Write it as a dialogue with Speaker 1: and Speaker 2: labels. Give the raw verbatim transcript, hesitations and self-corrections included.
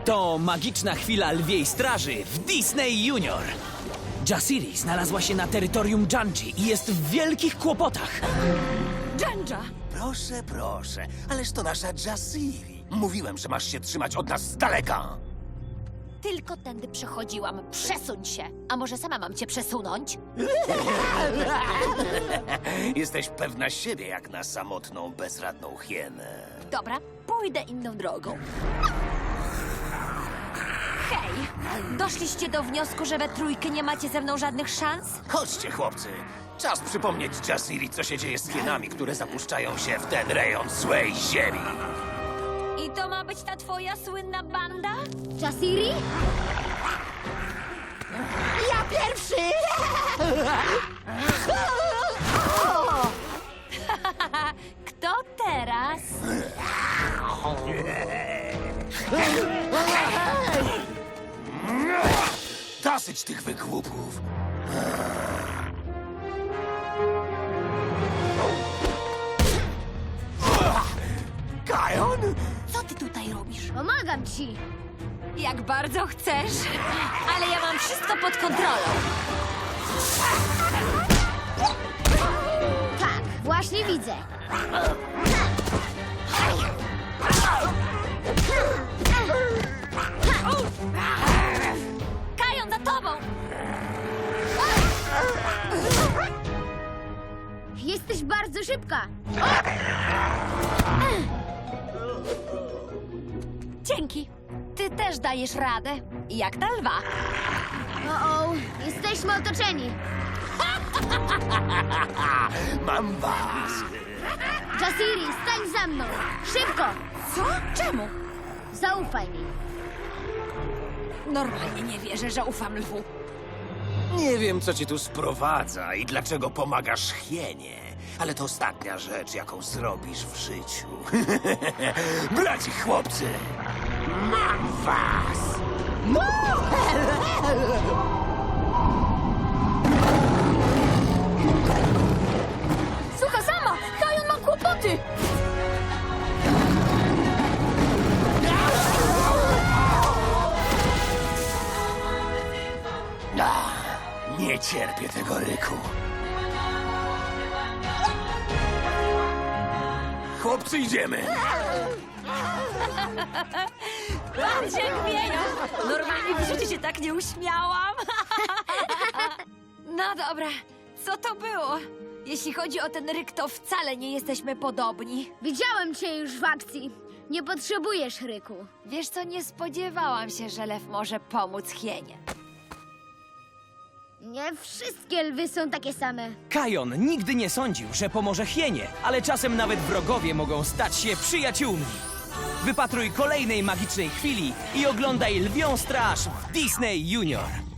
Speaker 1: To magiczna chwila lwiej straży w Disney Junior. Jasiri znalazła się na terytorium Janji i jest w wielkich kłopotach.
Speaker 2: Dżandża!
Speaker 3: Proszę, proszę, ależ to nasza Jasiri. Mówiłem, że masz się trzymać od nas z daleka.
Speaker 2: Tylko tędy przechodziłam. Przesuń się. A może sama mam cię przesunąć?
Speaker 3: Jesteś pewna siebie jak na samotną, bezradną hienę.
Speaker 2: Dobra, pójdę inną drogą. Hej! Doszliście do wniosku, że we trójkę nie macie ze mną żadnych szans?
Speaker 3: Chodźcie, chłopcy. Czas przypomnieć Jasiri, co się dzieje z hienami, które zapuszczają się w ten rejon złej ziemi.
Speaker 2: I to ma być ta twoja słynna banda?
Speaker 4: Jasiri? Ja pierwszy!
Speaker 2: Kto teraz?
Speaker 3: Dosyć tych wygłupów. Kajon?
Speaker 2: Co ty tutaj robisz?
Speaker 4: Pomagam ci!
Speaker 2: Jak bardzo chcesz, ale ja mam wszystko pod kontrolą.
Speaker 4: Tak, właśnie widzę.
Speaker 2: Kajon, za tobą!
Speaker 4: Jesteś bardzo szybka.
Speaker 2: Dzięki. Ty też dajesz radę. Jak ta lwa.
Speaker 4: O, o, jesteśmy otoczeni.
Speaker 3: Mam was.
Speaker 4: Jasiri, stań za mną. Szybko!
Speaker 2: Co? Czemu?
Speaker 4: Zaufaj mi.
Speaker 2: Normalnie nie wierzę, że ufam lwu.
Speaker 3: Nie wiem, co cię tu sprowadza i dlaczego pomagasz hienie, ale to ostatnia rzecz, jaką zrobisz w życiu. Braci chłopcy, mam was!
Speaker 2: Słuchaj sama! Kajon ma kłopoty!
Speaker 3: Ah, nie cierpię tego ryku. Chłopcy, idziemy!
Speaker 2: Patrz jak wieją! Normalnie w życiu się tak nie uśmiałam. No dobra, co to było? Jeśli chodzi o ten ryk, to wcale nie jesteśmy podobni.
Speaker 4: Widziałem cię już w akcji. Nie potrzebujesz ryku.
Speaker 2: Wiesz co, nie spodziewałam się, że lew może pomóc hienie.
Speaker 4: Nie wszystkie lwy są takie same.
Speaker 1: Kajon nigdy nie sądził, że pomoże hienie, ale czasem nawet wrogowie mogą stać się przyjaciółmi. Wypatruj kolejnej magicznej chwili i oglądaj Lwią Straż w Disney Junior.